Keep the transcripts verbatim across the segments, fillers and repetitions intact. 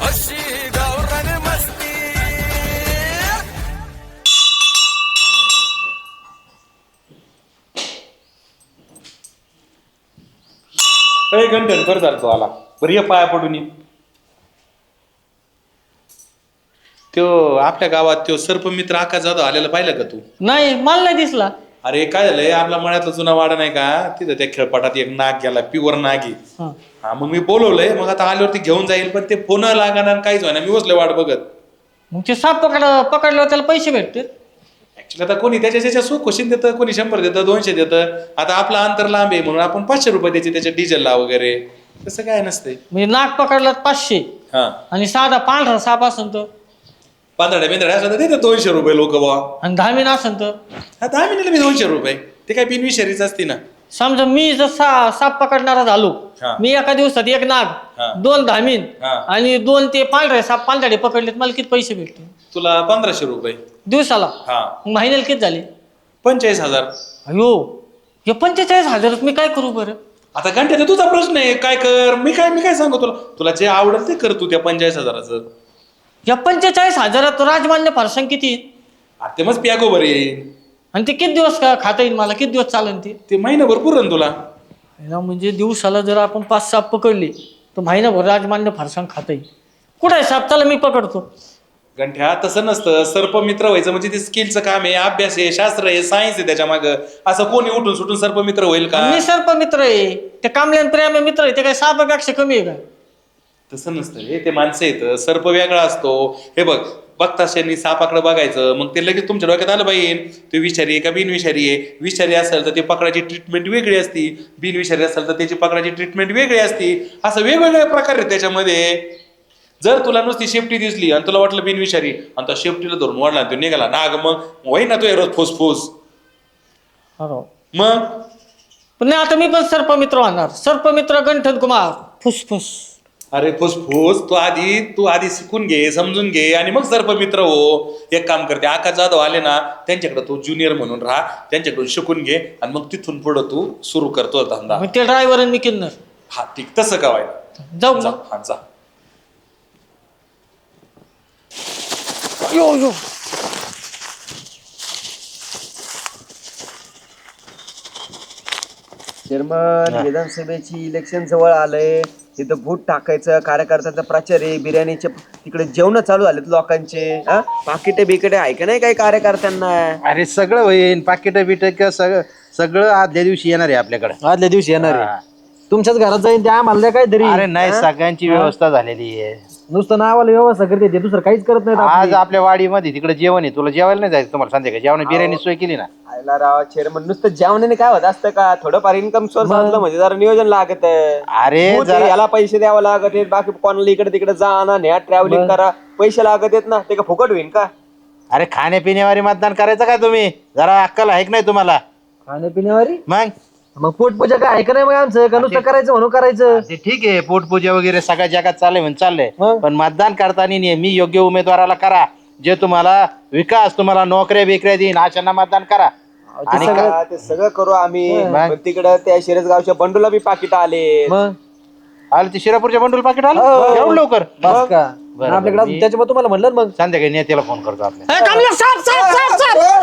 अशी गावरान मस्ती. काही घंटन कर चालतो आला बरं ये पाया पडून ये. त्यो आपल्या गावात त्यो सर्पमित्र आकाश जाधव आलेला पाहिलं का तू? नाही मला नाही दिसला. अरे काय झालंय आपला मळ्यातला जुना वाडा नाही का तिथं त्या खेळपाटात एक नाग गेला प्युअर नागी. हा. हा मग मी बोलवलंय मग आता आल्यावरती घेऊन जाईल पण ते फोन लागणार काहीच व्हायना मी बसलोय वाट बघत. मग ते साप पकड पकडल्यावर त्याला पैसे भेटतील. ऍक्च्युली आता कोणी त्याच्या त्याच्या सुखोशीन देतं कोणी शंभर देतं दोनशे देतं. आता आपला अंतर लांब आहे म्हणून आपण पाचशे रुपये द्यायचे त्याच्या डिझेलला वगैरे तसं काय नसतंय. म्हणजे नाक पकडला पाचशे हा आणि साधा पांढरा साप असन तर पांदड्या बिंदड्या असं तर देतात दोनशे रुपये लोक बा. आणि धामीन असन तर हा दहा मिनिटाला मी दोनशे रुपये ते काय बिनविषारीच असते ना. समजा मी जर सा साप पकडणारा झालो हा. मी एका दिवसात एक हा. नाग दोन धामीन हा. आणि दोन ते पांढरे साप पांढरे पकडलेत मला किती पैसे भेटतील तुला पंधराशे रुपये दिवसाला. हा मग महिन्याला किती झाले? पंचेचाळीस हजार. अयो हे पंचेचाळीस हजारात मी काय करू बरं? आता घंटे तर तुझा प्रश्न आहे काय कर मी काय मी काय सांगू तुला तुला जे आवडेल ते कर तू त्या पंचेचाळीस हजाराचं. या पंचेचाळीस हजारात राजमान्य फारसंग किती? आता ते मग प्यागो बरे येईल आणि ते किती दिवस का खाता येईल मला? किती दिवस चालेल ते? ते महिनाभर पुरण तुला. ना म्हणजे दिवसाला जर आपण पाच साप पकडले तर महिनाभर राजमान्य फारसंग खाता येईल. कुठं आहे साप? चला मी पकडतो. गंठ्या तसं नसतं सर्पमित्र व्हायचं म्हणजे ते स्किलचं काम आहे अभ्यास आहे शास्त्र आहे सायन्स आहे त्याच्या मागं. असं कोणी उठून सुटून सर्पमित्र होईल का? मी सर्प मित्र आहे ते कामल्यान प्रेम मित्र आहे ते काय सापापेक्षा कमी आहे का? तसं नसतं हे ते माणसं येतं सर्प वेगळा असतो. हे बघ बघता शेणी सापाकडे बघायचं मग ते लगेच तुमच्या डोक्यात आलं पाहिजे ते विषारी आहे का बिनविषारी आहे. विषारी असेल तर ते पकडायची ट्रीटमेंट वेगळी असती बिनविषारी असेल तर त्याची पकडायची ट्रीटमेंट वेगळी असती. असं वेगवेगळे प्रकार आहेत त्याच्यामध्ये. जर तुला नुसती शेपटी दिसली आणि तुला वाटलं बिनविषारी आणि त्या शेपटीला धरून वाढला तो निघाला नाग मग होई ना तो रोज फुसफुस मग. पण नाही आता मी पण सर्पमित्र होणार. सर्पमित्र गंठन कुमार फुसफुस. अरे फुसफुस तू आधी तू आधी शिकून घे समजून घे आणि मग सर्पमित्र हो. एक काम करते आकाश जाधव आले ना त्यांच्याकडे तू ज्युनियर म्हणून राहा त्यांच्याकडून शिकून घे आणि मग तिथून पुढं तू सुरू करतो धंदा. मग ते ड्रायव्हर मी किन्नर. हा ठीक तसं का व्हायला जाऊ जा मग. हा जा. यो यो चेअरमन विधानसभेची इलेक्शन जवळ आलंय तिथं बूट टाकायचं कार्यकर्त्यांचा प्रचार आहे बिर्याणीचे तिकडे जेवण चालू झालेत लोकांचे. पाकिटे बिकिटे आहे का नाही काही कार्यकर्त्यांना? अरे सगळं होईन पाकिट बिट सगळं सगळं आदल्या दिवशी येणार आहे आपल्याकडे. आदल्या दिवशी येणार आहे. तुमच्याच घरात जाईन त्या आम्हाला काहीतरी. अरे नाही सगळ्यांची व्यवस्था झालेली आहे. नुसतं नावाला व्यवस्था करते ते दुसरं काहीच करत नाही आज आपल्या वाडीमध्ये तिकडे जेवण आहे तुला जेवायला नाही जायचं तुम्हाला संध्याकाळी जेवण बिर्याणी सोय केली ना. आयला राव चेअरमन नुसतं जेवणाने काय होत असतं का? थोडंफार इन्कम सोर्स असलं म्हणजे जरा नियोजन लागत. अरे जरा- याला पैसे द्यावं लागत आहेत बाकी कोणाला इकडे तिकडे जा ना न्या ट्रॅव्हलिंग करा पैसे लागत आहेत ना ते का फुकट होईल का? अरे खाण्यापिण्यावर मतदान करायचं का तुम्ही? जरा अक्कल आहे की नाही तुम्हाला? खाण्यापिण्यावारी मग मग पोटपूजा काय आहे का नाही मग आमचं का नुसतं करायचं म्हणून करायचं? ते ठीक आहे पोटपूजा वगैरे सगळ्या जगात चाललंय म्हणून चाललंय मग? पण मतदान करताना नेहमी योग्य उमेदवाराला करा जे तुम्हाला विकास तुम्हाला नोकऱ्या बिकऱ्या देईन अशांना मतदान करा. आणि का- हा, ते सगळं करू आम्ही मग? पण तिकडं त्या शिरसगावच्या बंडूला बी पाकिट आले. मग आलं ते शिरापूरच्या बंडूल पाकिट आलं हो. एवढं लवकर? बस का बरं, आपल्याकडे मी- त्याच्यामुळे तुम्हाला म्हणलं ना मग. संध्याकाळी नेत्याला फोन करतो आपल्या. ए, कमला, साप साप साप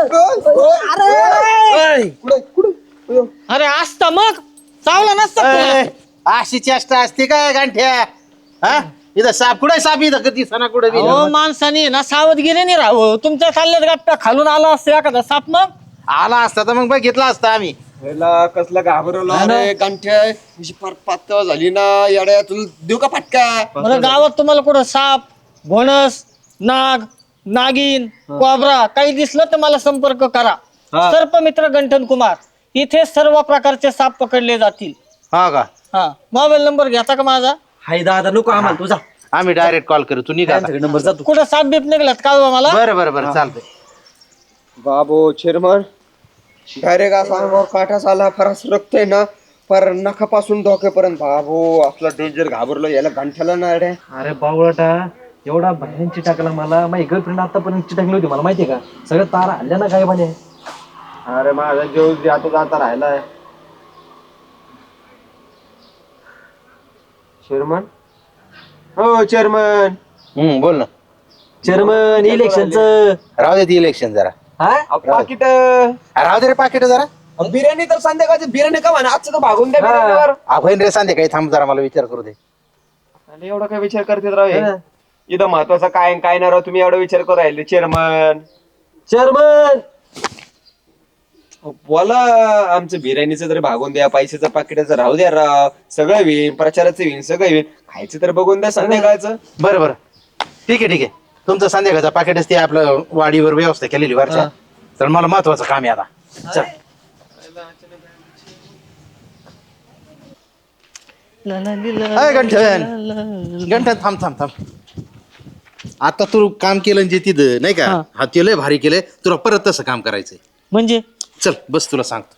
साप. अरे असता मग चावला नसता तुला. ए, अशी चेष्टा असते काय गांठ्या? हा इथं साप कुठे साप इथं कधी सणा कुठे हो माणसाने ना सावधगिरीने राहावं. तुमच्या चालल्यात गप्पा खालून आला असतं एखादा साप मग आला असता तर मग बघितला असता आम्ही. ह्याला कसलं घाबरवलं अरे गांठ्या अशी फार पातळ झाली ना येड्या तुला देऊ का फटका? मला गावात तुम्हाला कुठं साप घोणस नाग नागिन कोबरा काही दिसलं तर मला संपर्क करा. सर्पमित्र गंठन कुमार इथे सर्व प्रकारचे साप पकडले जातील. हा का हा मोबाईल नंबर घेता का माझा? हाय दादा नको आम्हाला तुझा आम्ही डायरेक्ट कॉल करू तू निघा आता. नंबर जातो. कुठं साप बीप निघलात का मला? बरं बरं बरं चालतंय. बाबो चेअरमन डायरेक्ट असा अंगावर काठाच आला फरस रक्तय ना पर नखापासून डोक्यापर्यंत. बाबो असला डेंजर घाबरलो याला गांठ्याला ना रे. अरे बावळटा एवढा भयान चिटाकला मला. माझी गर्लफ्रेंड आतापर्यंत चिटाकली होती मला माहितीये का? सगळं तार हल्ल्या ना काय म्हणे. अरे माझा जेव आता जाता राहिलाय. चेअरमन हो चेअरमन हम्म बोल ना. चेअरमन इलेक्शनचं राहू दे ती इलेक्शन जरा. हा पाकिट राहू दे रे पाकिट जरा. बिर्याणी तर संध्याकाळची बिर्याणी का म्हणा आजचं तर भागून द्या बिर्याणीवर. आपण रे सांगते काही थांब जरा मला विचार करू दे. आणि एवढा काय विचार करतात राव हे? इथं महत्वाचं काय आणि काय नाही राव तुम्ही एवढा विचार करू राहिले चेअरमन. चेअरमन बोला आमचं बिर्याणीचं तरी भागून द्या, पैशाचं पाकिटाचं राहू द्या राव, सगळं होईन, प्रचाराचं होईन, सगळं होईन, खायचं तर बघून द्या संध्याकाळचं. बरं बरं ठीक आहे ठीक आहे. तुमचं संध्याकाळचा पाकिटच ते आपलं वाडीवर व्यवस्था केलेली वरच्या. तर मला महत्वाचं काम आहे आता. चल. अय गंठन गंठन थांब थांब थांब. आता तू काम केलं जे तिथं नाही का, हा ते लय भारी केलंय. तुला परत तसं काम करायचंय. म्हणजे चल बस तुला सांगतो.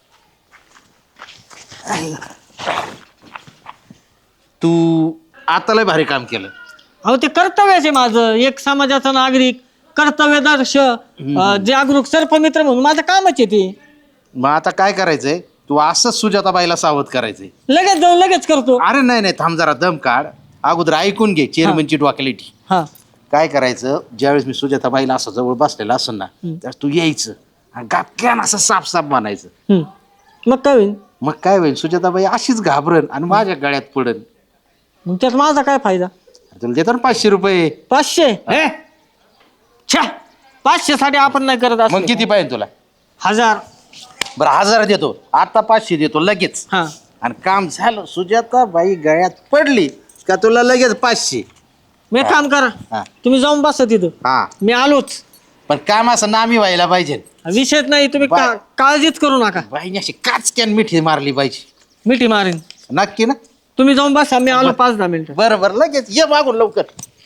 तू आता लय भारी काम केलं. अहो ते कर्तव्यच आहे माझं, एक समाजाचा नागरिक, कर्तव्यदर्श, अं, जागरूक सर्पमित्र म्हणून माझं कामच आहे ते. मग आता काय करायचंय, तू असंच सुजाताबाईला सावध करायचंय. लगेच जाऊन लगेच करतो. अरे नाही नाही थांब जरा दम काढ. अगोदर ऐकून घे चेअरमनची डॉक्युलिटी. हा काय करायचं, ज्यावेळेस मी सुजाताबाईला असं जवळ बसलेला असेल ना, त्यावेळेस तू यायचं आणि गापक्यान असं साफ साफ म्हणायचं. हम्म. मग काय होईल? मग काय होईल, सुजाताबाई अशीच घाबरण आणि माझ्या गळ्यात पडन. मग त्यात माझा काय फायदा? तुला देतो ना पाचशे रुपये. पाचशे? हे? छ्या, पाचशे साठी आपण नाही करत असं. मग किती पाहिजे तुला? हजार. बरं हजार देतो, आता पाचशे देतो लगेच. हा आणि काम झालं, सुजाताबाई गळ्यात पडली का तुला लगेच पाचशे. मी एक काम हा. करा, तुम्ही जाऊन बसा तिथं, हा मी आलोच. पण काम असं नामी व्हायला पाहिजे. विषयच नाही, तुम्ही बाय. का- काळजीच करू नका. बाईने अशी काचक्यान मिठी मारली पाहिजे. मिठी मारीन. नक्की ना? तुम्ही जाऊन बसा, मी आलो पाच दहा मिनिटं. बरं बरं लगेच ये मागून लवकर.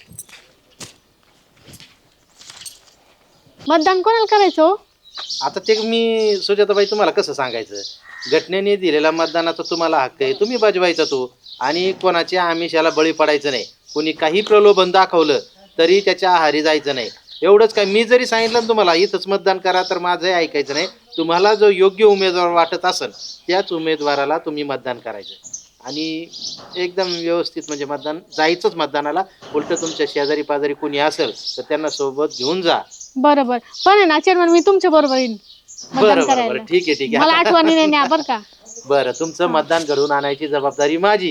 मतदान कोणाला करायचं हो? आता ते मी सुजाताबाई तुम्हाला कसं सांगायचं, घटनेने दिलेला मतदानाचा तुम्हाला हक्क आहे, तुम्ही बजवायचा तो. आणि कोणाच्या आमिषाला बळी पडायचं नाही. कोणी काही प्रलोभन दाखवलं तरी त्याच्या आहारी जायचं नाही. एवढंच काय, मी जरी सांगितलं ना तुम्हाला इथंच मतदान करा तर माझंही ऐकायचं नाही. तुम्हाला जो योग्य उमेदवार वाटत असेल त्याच उमेदवाराला तुम्ही मतदान करायचं. आणि एकदम व्यवस्थित म्हणजे मतदान जायचंच मतदानाला. उलट तुमच्या शेजारी पाजारी कोणी असेल तर त्यांना सोबत घेऊन जा. बरोबर, पण आहे ना चेअरमन, मी तुमच्या बरोबर येईन मतदान बरं बरं करायला. बरं ठीक आहे ठीक मला आहे. आठवणी नाही न्या बरं का. बरं तुमचं मतदान घडवून आणायची जबाबदारी माझी.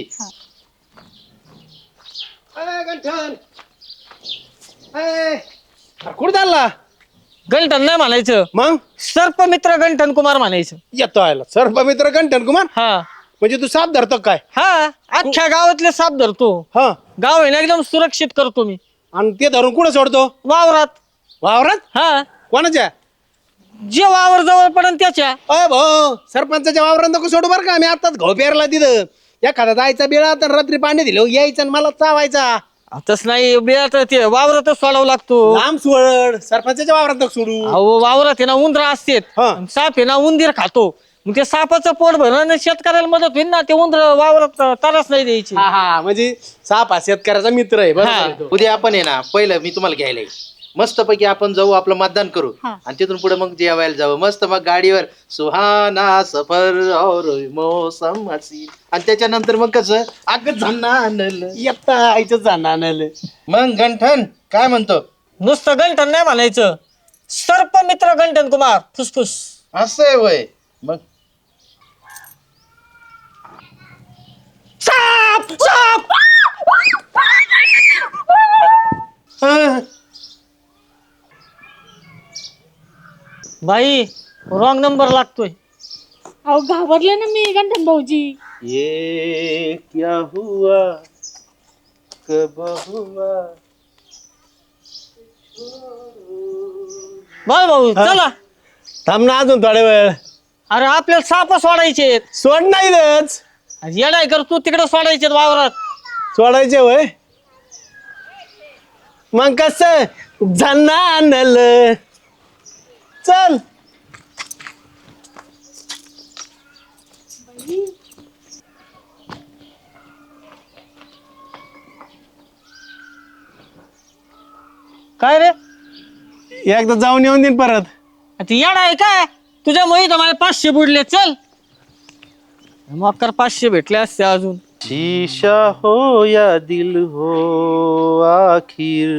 कुठं चालला गंठन नाही म्हणायचं, मग? सर्पमित्र गंठन कुमार म्हणायचं. येतो आयला सर्पमित्र गंठन कुमार. हा म्हणजे तू साप धरतो काय? हा अख्ख्या गावातले साप धरतो. हा. गाव आहे ना एकदम सुरक्षित करतो मी. आणि ते धरून कुठं सोडतो? वावरात. वावरात? हा, कोणाच्या? जे वावर जवळ पडन त्याच्या. अय भाऊ, सरपंचाच्या वावरात नको सोडू बरं का. मी आताच घाव पेरला तिथं. एखादा जायचा बिळा तर रात्री पाणी दिलं यायचं आणि मला चावायचा. तस नाही, बिळात ते वावरातच सोडावं लागतो. लांब सोड, सरपंचाच्या वावरात नको सोडू. अहो वावरात आहे ना उंदर असतेत, हा. आणि साप आहे ना उंदीर खातो. मग ते सापाचं पोट भरण शेतकऱ्याला मदत होईल ना. ते उंदर वावरात त्रास नाही द्यायची. हा हा, म्हणजे साप हा शेतकऱ्याचा मित्र आहे. बरोबर हा. आहे तो. उद्या आपण आहे ना, पहिलं मी तुम्हाला घ्यायला येईल. मस्तपैकी आपण जाऊ, आपलं मतदान करू हा. आणि तिथून पुढे मग जेवायला जावं मस्त. मग गाडीवर सुहाना सफर और मौसम हसीन. आणि त्याच्यानंतर मग कसं अग झालं येता आईचं जाणार. मग गंठन काय म्हणतो? नुसतं गंठन नाही म्हणायचं, सर्पमित्र गंठन कुमार फुसफुस. असं आहे वय. मग साप साप. बाई रॉंग नंबर लागतोय. अहो घाबरले ना मी गंठन भाऊजी. ये क्या हुआ कब हुआ. बाय भाऊ चला. थांब ना अजून थोड्या वेळ. अरे आपल्याला साप सोडायचे. सोड नाहीच. येडाय कर तू, तिकडे सोडायचे वावरात. सोडायचे वय. मग कस जाणार. चल. काय रे, एकदा जाऊन येऊन देईन परत. ते येडा आहे काय? तुझ्या मुळे तर मला पाचशे बुडले. चल मग कर, पाचशे भेटले असते अजून. शीशा हो या दिल हो आखिर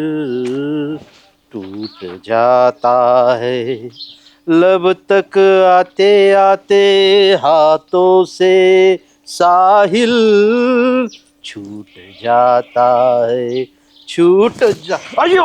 टूट जाता है लब तक आते आते हाथों से साहिल छूट जाता है छूट जा अयो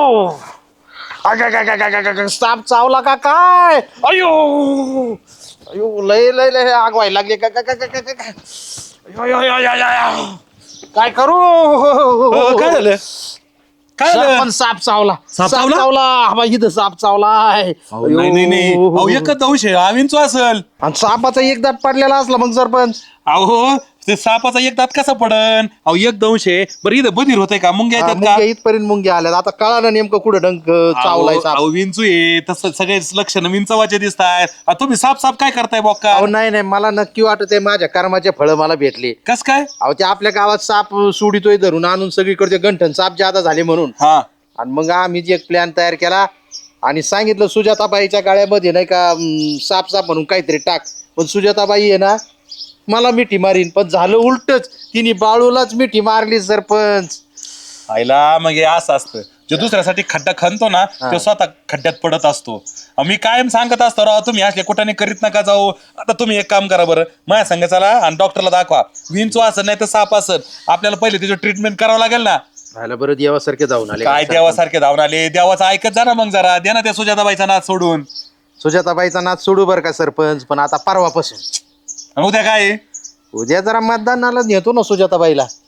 अगं, साप चावला का काय अयो अयो लय लय लय आग व्हायला लागली का का- का- का- का- का- अयो, अयो, अयो, अयो, अयो. काय करू काय झालं काय झालं सरपंच साप चावला साप चावला? चावला आबा, इथं साप चावला आहे अहो, नाही नाही नाही अहो एकच दंश आहे आवींचो असल आणि सापाचा एक दात पडलेला असला मग सरपंच अहो ते सापाचा एक दात कसा पडन अहो एक दंश आहे बरं इथं बधीर होतंय का मुंग्या हा, येतात का मुंग्या इथपर्यंत मुंग्या आल्या आता कळालं नेमकं कुठं डंक चावलाय साप अहो विंचू आहे तसं सगळे लक्षण विंचवाचे दिसतायत तुम्ही साप साप काय करताय बॉक्का अहो नाही नाही मला नक्की वाटत आहे माझ्या कर्माचे फळं मला भेटले कस काय अहो ते आपल्या गावात साप सोडितोय धरून आणून सगळीकडे गंठन साप जादा झाले म्हणून हा आणि मग आम्ही जे एक प्लॅन तयार केला आणि सांगितलं सुजाताबाईच्या गाळ्यामध्ये नाही का अं, साप साप म्हणून काहीतरी टाक पण सुजाताबाई आहे ना मला मिठी मारीन पण झालं उलटच तिने बाळूलाच मिठी मारली सरपंच आईला मग हे असं असतं जो दुसऱ्यासाठी खड्डा खणतो ना तो स्वतः खड्ड्यात पडत असतो अहो, मी कायम सांगत असतो राव तुम्ही असले कुठाने करीत नका जाऊ आता तुम्ही एक काम करा बरं माझ्या संग चला आणि डॉक्टरला दाखवा विंचू असं नाही तर साप असं आपल्याला पहिले त्याचं ट्रीटमेंट करावं लागेल ना राहिला बरं देवासारखे जाऊन आले काय देवासारखे धावून आले देवाचं ऐकत जा ना मग जरा द्या ना त्या सुजाताबाईचा नाच सोडून सुजाताबाईचा नाच सोडू बरं का सरपंच पण आता परवापासून आणि उद्या काय आहे? उद्या जरा मतदानाला नेतो ना सुजाताबाईला